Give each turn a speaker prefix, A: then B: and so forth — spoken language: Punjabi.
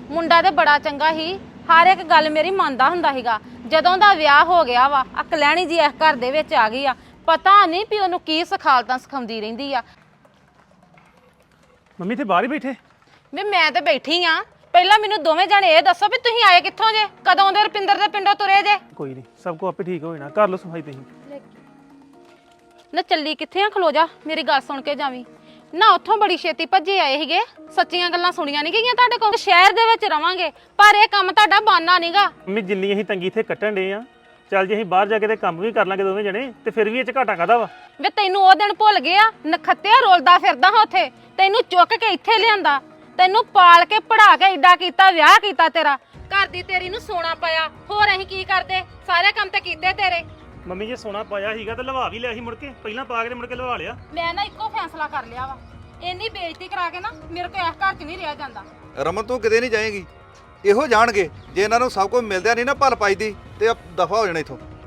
A: ਮੁੰਡਾ ਤੇ ਬੜਾ ਚੰਗਾ ਸੀ, ਹਰ ਇੱਕ ਗੱਲ ਮੇਰੀ ਮੰਨਦਾ ਹੁੰਦਾ ਸੀਗਾ। ਜਦੋਂ ਦਾ ਵਿਆਹ ਹੋ ਗਿਆ ਵਾ ਆ ਕਲੈਣੀ ਜੀ ਇਸ ਘਰ ਦੇ ਵਿੱਚ ਆ ਗਈ ਆ, ਪਤਾ ਨਹੀਂ ਵੀ ਉਹਨੂੰ ਕੀ ਸਿਖਾਲਤਾਂ ਸਿਖਾਉਂਦੀ ਰਹਿੰਦੀ ਆ।
B: ਮੰਮੀ ਤੇ ਬਾਹਰ ਹੀ ਬੈਠੇ।
A: ਵੀ ਮੈਂ ਤੇ ਬੈਠੀ ਆ, ਪਹਿਲਾਂ ਮੈਨੂੰ ਦੋਵੇਂ ਜਣੇ ਇਹ ਦੱਸੋ ਵੀ ਤੁਸੀਂ ਆਏ ਕਿੱਥੋਂ ਜੇ, ਕਦੋਂ ਦੇ ਰੁਪਿੰਦਰ ਦੇ ਪਿੰਡੋਂ ਤੁਰੇ ਜੇ?
B: ਕੋਈ ਨਹੀਂ, ਸਭ ਕੋ ਆਪੇ ਠੀਕ ਹੋ ਜਾਣਾ। ਕਰ ਲਓ ਸਫਾਈ ਤੁਸੀਂ।
A: ਨਾ ਚੱਲੀ ਕਿੱਥੇ ਆ, ਖਲੋ ਜਾ, ਮੇਰੀ ਗੱਲ ਸੁਣ ਕੇ ਜਾਵੀਂ ਨਾ। ਉੱਥੋਂ ਬੜੀ ਛੇਤੀ ਭੱਜੇ ਆਏ ਸੀਗੇ, ਸੱਚੀਆਂ ਗੱਲਾਂ ਸੁਣੀਆਂ ਨਹੀਂ ਗਈਆਂ ਤੁਹਾਡੇ ਕੋਲ। ਸ਼ਹਿਰ ਦੇ ਵਿੱਚ ਰਵਾਂਗੇ ਪਰ ਇਹ ਕੰਮ ਤੁਹਾਡਾ ਬਾਨਾ ਨਹੀਂਗਾ।
B: ਮੰਮੀ ਜਿੰਨੀ ਅਸੀਂ ਤੰਗੀ ਇੱਥੇ ਕੱਟਣ ਡੇ ਆ, ਚੱਲ ਜੇ ਅਸੀਂ ਬਾਹਰ ਜਾ ਕੇ ਤੇ ਕੰਮ ਵੀ ਕਰ ਲਾਂਗੇ ਦੋਵੇਂ ਜਣੇ, ਤੇ ਫਿਰ ਵੀ ਇਹ ਚ ਘਾਟਾ ਕਾਹਦਾ ਵਾ?
A: ਵੇ ਤੈਨੂੰ ਉਹ ਦਿਨ ਭੁੱਲ ਗਿਆ, ਨਖੱਤਿਆ ਰੋਲਦਾ ਫਿਰਦਾ ਹਾਂ ਉੱਥੇ, ਤੈਨੂੰ ਚੁੱਕ ਕੇ ਇੱਥੇ ਲਿਆਂਦਾ, ਤੈਨੂੰ ਪਾਲ ਕੇ ਪੜਾ ਕੇ ਏਡਾ ਕੀਤਾ, ਵਿਆਹ ਕੀਤਾ ਤੇਰਾ, ਘਰ ਦੀ ਤੇਰੀ ਨੂੰ ਸੋਨਾ ਪਾਇਆ, ਹੋਰ ਅਸੀਂ ਕੀ ਕਰਦੇ? ਸਾਰੇ ਕੰਮ ਤੇ ਕੀਤੇ ਤੇਰੇ।
B: ਮੰਮੀ ਜੇ ਸੋਨਾ ਪਾਇਆ ਸੀਗਾ ਤਾਂ ਲਵਾ ਵੀ ਲਿਆ ਸੀ ਮੁੜ ਕੇ, ਪਹਿਲਾਂ ਪਾ ਕੇ ਤੇ ਮੁੜ ਕੇ ਲਵਾ ਲਿਆ।
A: ਮੈਂ ਨਾ ਇੱਕੋ ਫੈਸਲਾ ਕਰ ਲਿਆ ਵਾ, ਇੰਨੀ ਬੇਇੱਜ਼ਤੀ ਕਰਾ ਕੇ ਨਾ ਮੇਰੇ ਕੋਲ ਇਸ ਘਰ 'ਚ ਨਹੀਂ ਰਿਹਾ ਜਾਂਦਾ।
C: ਰਮਨ ਤੂੰ ਕਿਤੇ ਨਹੀਂ ਜਾਏਗੀ, ਇਹੋ ਜਾਣਗੇ ਜੇ ਇਹਨਾਂ ਨੂੰ ਸਭ ਕੁਝ ਮਿਲਦਿਆ ਨਹੀਂ ਨਾ ਭਲ ਪਾਈਦੀ ਤੇ ਦਫਾ ਹੋ ਜਾਣਾ ਇਥੋਂ।